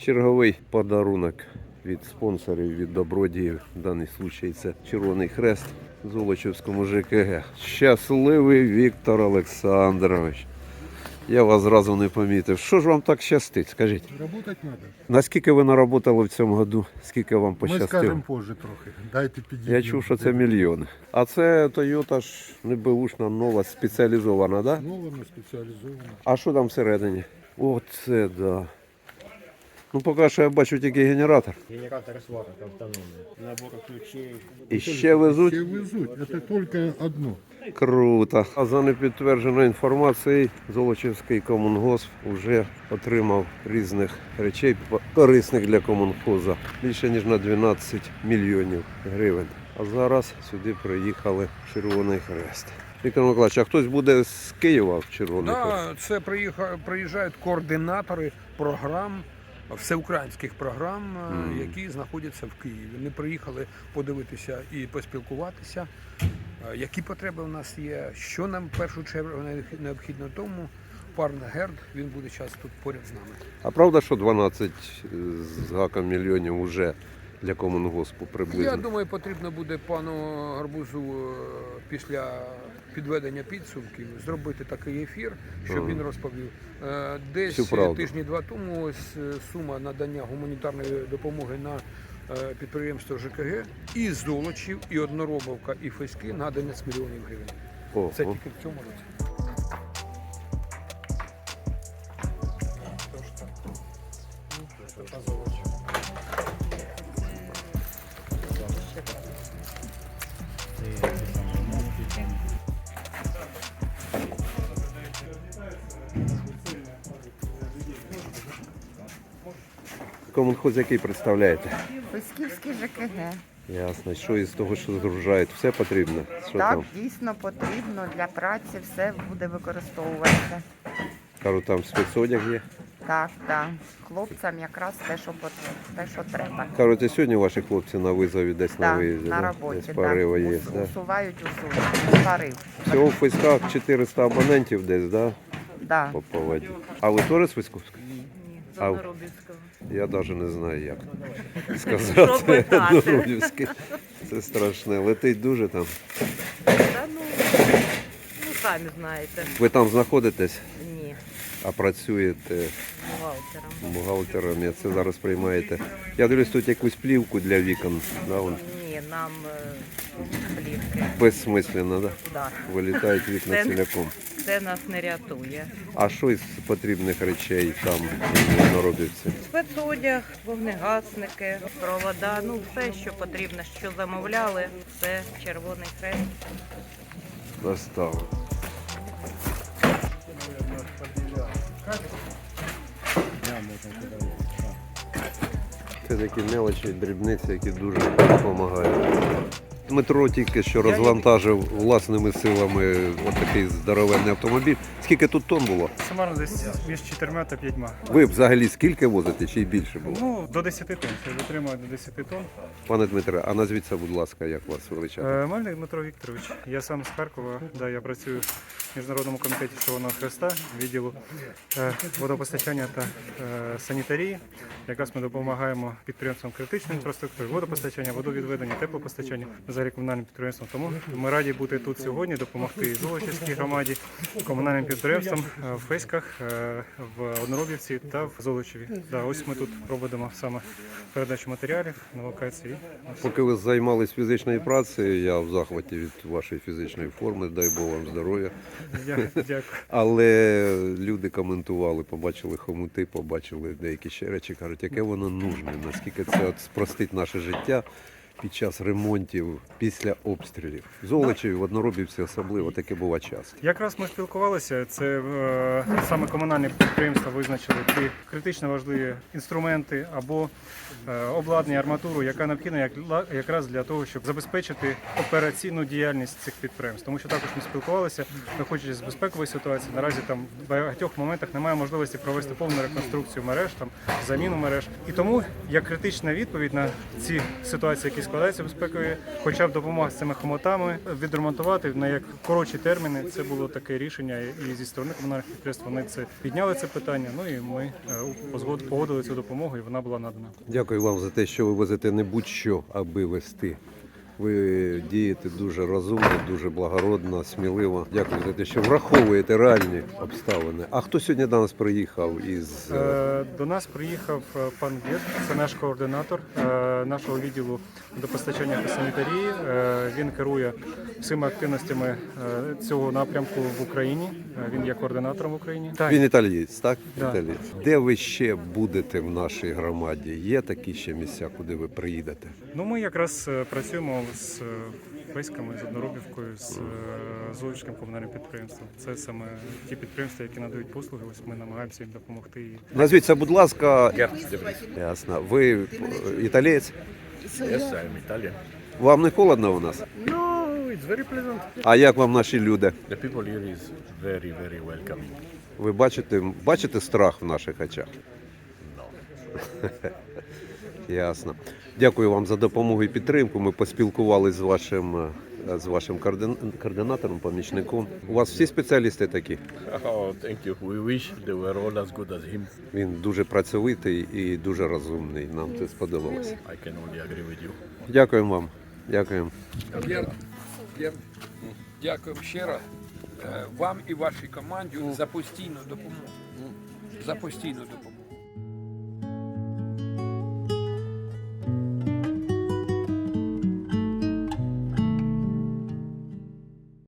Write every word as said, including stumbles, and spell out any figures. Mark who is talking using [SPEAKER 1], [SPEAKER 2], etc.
[SPEAKER 1] Черговий подарунок від спонсорів, від добродіїв. В даний случай це Червоний Хрест Золочівському ЖКГ. Щасливий Віктор Олександрович. Я вас зразу не помітив. Що ж вам так щастить, скажіть?
[SPEAKER 2] Работать надо.
[SPEAKER 1] Наскільки ви наработали в цьому году? Скільки вам
[SPEAKER 2] Ми
[SPEAKER 1] пощастило?
[SPEAKER 2] скажемо позже трохи. Дайте підійти.
[SPEAKER 1] Я чув, що це мільйони. А це Toyota ж не беушна, нова, спеціалізована, так? Да?
[SPEAKER 2] Нова, спеціалізована.
[SPEAKER 1] А що там всередині? Оце да. Ну поки що я бачу тільки генератор.
[SPEAKER 3] Генератор сварок автономний. Набор ключей.
[SPEAKER 1] І ще везуть.
[SPEAKER 2] Все везуть. Це тільки одно.
[SPEAKER 1] Круто. А за непідтвердженою інформацією, Золочівський комунгосп вже отримав різних речей корисних для комунхозу. Більше ніж на дванадцять мільйонів гривень. А зараз сюди приїхали Червоний Хрест. Віктор Миколаївич, а хтось буде з Києва в Червоний Хрест?
[SPEAKER 4] Да, це приїха- приїжджають координатори програм, всеукраїнських програм,
[SPEAKER 1] Мгм.
[SPEAKER 4] які знаходяться в Києві. Вони приїхали подивитися і поспілкуватися, е, які потреби у нас є, що нам в першу чергу необхідно. Тому пан Герд, він буде час тут поряд з нами.
[SPEAKER 1] А правда, що дванадцять з гаком мільйонів вже для комунгоспу приблизно?
[SPEAKER 4] Я думаю, потрібно буде пану Гарбузу е, після підведення підсумків зробити такий ефір, щоб
[SPEAKER 1] Ага.
[SPEAKER 4] він розповів. Е, Десь
[SPEAKER 1] Всю правду.
[SPEAKER 4] тижні-два тому ось е, сума надання гуманітарної допомоги на е, підприємство ЖКГ і Золочів, і Одноробовка, і Феськи на одинадцять мільйонів гривень.
[SPEAKER 1] О,
[SPEAKER 4] Це
[SPEAKER 1] о.
[SPEAKER 4] тільки в цьому році.
[SPEAKER 1] Комунхоз який представляєте?
[SPEAKER 5] Фесківський ЖКГ.
[SPEAKER 1] Ясно. Що із того, що згружають, все потрібно? Що
[SPEAKER 5] Так,
[SPEAKER 1] там?
[SPEAKER 5] дійсно потрібно для праці, все буде використовуватися.
[SPEAKER 1] Кажуть, там спецодяг є.
[SPEAKER 5] Так, так. Хлопцям якраз те, що потрібно, те, що треба.
[SPEAKER 1] Кажуть, і сьогодні ваші хлопці на визові десь на
[SPEAKER 5] Так,
[SPEAKER 1] виїзді,
[SPEAKER 5] на
[SPEAKER 1] да?
[SPEAKER 5] роботі,
[SPEAKER 1] Десь
[SPEAKER 5] так.
[SPEAKER 1] пориви є.
[SPEAKER 5] Ус-
[SPEAKER 1] Да?
[SPEAKER 5] Усувають усунуть. Парив.
[SPEAKER 1] Всього в Фейськах чотириста абонентів десь, да?
[SPEAKER 5] Да.
[SPEAKER 1] По поводі. А ви теж з Фейськовська?
[SPEAKER 6] Ні, з
[SPEAKER 1] А-
[SPEAKER 6] Одноробівського.
[SPEAKER 1] Я навіть не знаю, як
[SPEAKER 6] Що
[SPEAKER 1] сказати.
[SPEAKER 6] питати?
[SPEAKER 1] Дорогівське. Це страшне. Летить дуже там.
[SPEAKER 6] Та ну, ну самі знаєте.
[SPEAKER 1] Ви там знаходитесь,
[SPEAKER 6] Ні,
[SPEAKER 1] а працюєте
[SPEAKER 6] бухгалтером.
[SPEAKER 1] бухгалтером, і це зараз приймаєте. Я дивлюсь, тут якусь плівку для вікон. Да, вон.
[SPEAKER 6] Ні, нам е, плівки.
[SPEAKER 1] Безсмисленно, да?
[SPEAKER 6] Да.
[SPEAKER 1] Вилітають вікна
[SPEAKER 6] Це-
[SPEAKER 1] ціляком.
[SPEAKER 6] Це нас не рятує.
[SPEAKER 1] А що із потрібних речей там в Одноробівці?
[SPEAKER 6] Спецодяг, вогнегасники, провода, ну все, що потрібно, що замовляли, це Червоний Хрест.
[SPEAKER 1] Доставили. Це такі мелочі, дрібниці, які дуже допомагають. Дмитро тільки що розвантажив власними силами отакий здоровенний автомобіль. Скільки тут тонн було?
[SPEAKER 7] Сумарно десь між чотирма та п'ятьма.
[SPEAKER 1] Ви взагалі скільки возите, чи й більше було?
[SPEAKER 7] Ну, до десяти тонн. Це витримує до десяти тонн.
[SPEAKER 1] Пане Дмитре, а назвіться, будь ласка, як вас величати?
[SPEAKER 7] Е, Мельник Дмитро Вікторович. Я сам з Харкова. Да, я працюю в Міжнародному комітеті Червоного Хреста, відділу е, водопостачання та е, санітарії. Якраз ми допомагаємо підприємствам критичної інфраструктури, водопостачання, водовідведення, теплопостачання, взагалі комунальним підприємствам. Тому ми раді бути тут сьогодні, допомогти Золочівській громаді, комунальним підприємствам е, в Феськах, е, в Одноробівці та в Золочеві. Да, ось ми тут проводимо саме передачу матеріалів на локації.
[SPEAKER 1] Поки ви займались фізичною працею, я в захваті від вашої фізичної форми, дай Бог вам здоров'я.
[SPEAKER 7] Дя- Дякую.
[SPEAKER 1] Але люди коментували, побачили хомути, побачили деякі ще речі, кажуть, яке воно нужне, наскільки це от спростить наше життя під час ремонтів, після обстрілів. В Золочеві, в Одноробівці особливо, таке буває часто.
[SPEAKER 7] Якраз ми спілкувалися. Це е, саме комунальні підприємства визначили ті критично важливі інструменти або е, обладнання, арматуру, яка необхідна як, якраз для того, щоб забезпечити операційну діяльність цих підприємств. Тому що також ми спілкувалися, виходячи з безпекової ситуації, наразі там в багатьох моментах немає можливості провести повну реконструкцію мереж, там заміну мереж. І тому як критична відповідь на ці ситуації, які складаються безпекові, хоча б допомога з цими хомутами відремонтувати на як коротші терміни. Це було таке рішення, і зі сторони комунальних підприємств вони це підняли це питання. Ну і ми е, погодили цю допомогу, і вона була надана.
[SPEAKER 1] Дякую вам за те, що ви везете не будь-що, аби вести. Ви дієте дуже розумно, дуже благородно, сміливо. Дякую за те, що враховуєте реальні обставини. А хто сьогодні до нас приїхав із...
[SPEAKER 7] Е, До нас приїхав е, пан Гет, це наш координатор е, нашого відділу водопостачання та санітарії. Е, Він керує всіма активностями е, цього напрямку в Україні. Е, Він є координатором в Україні. Так.
[SPEAKER 1] Він італієць, так?
[SPEAKER 7] Да.
[SPEAKER 1] Італієць. Де ви ще будете в нашій громаді? Є такі ще місця, куди ви приїдете?
[SPEAKER 7] Ну, ми якраз е, працюємо з е, Песьками, з Одноробівкою, з е, Золочівським комунальним підприємством. Це саме ті підприємства, які надають послуги. Ось ми намагаємося їм допомогти.
[SPEAKER 1] Назвіться, будь ласка. Ясно. Ви е, італієць?
[SPEAKER 3] Yes, I'm Italian.
[SPEAKER 1] Вам не холодно у нас?
[SPEAKER 3] No, it's very pleasant.
[SPEAKER 1] А як вам наші люди?
[SPEAKER 3] The people here is very, very welcoming.
[SPEAKER 1] Ви бачите, бачите страх в наших очах? Ясно. Дякую вам за допомогу і підтримку. Ми поспілкувалися з вашим, з вашим координ- координатором, помічником. У вас всі спеціалісти такі?
[SPEAKER 3] Oh, thank you. We wish they were all as good as him.
[SPEAKER 1] Він дуже працьовитий і дуже розумний. Нам це сподобалось.
[SPEAKER 3] I can only agree with you.
[SPEAKER 1] Дякуємо вам. Дякуємо.
[SPEAKER 4] Вірно. Вірно. Дякуємо ще раз е, вам і вашій команді за постійну допомогу. За постійну допомогу.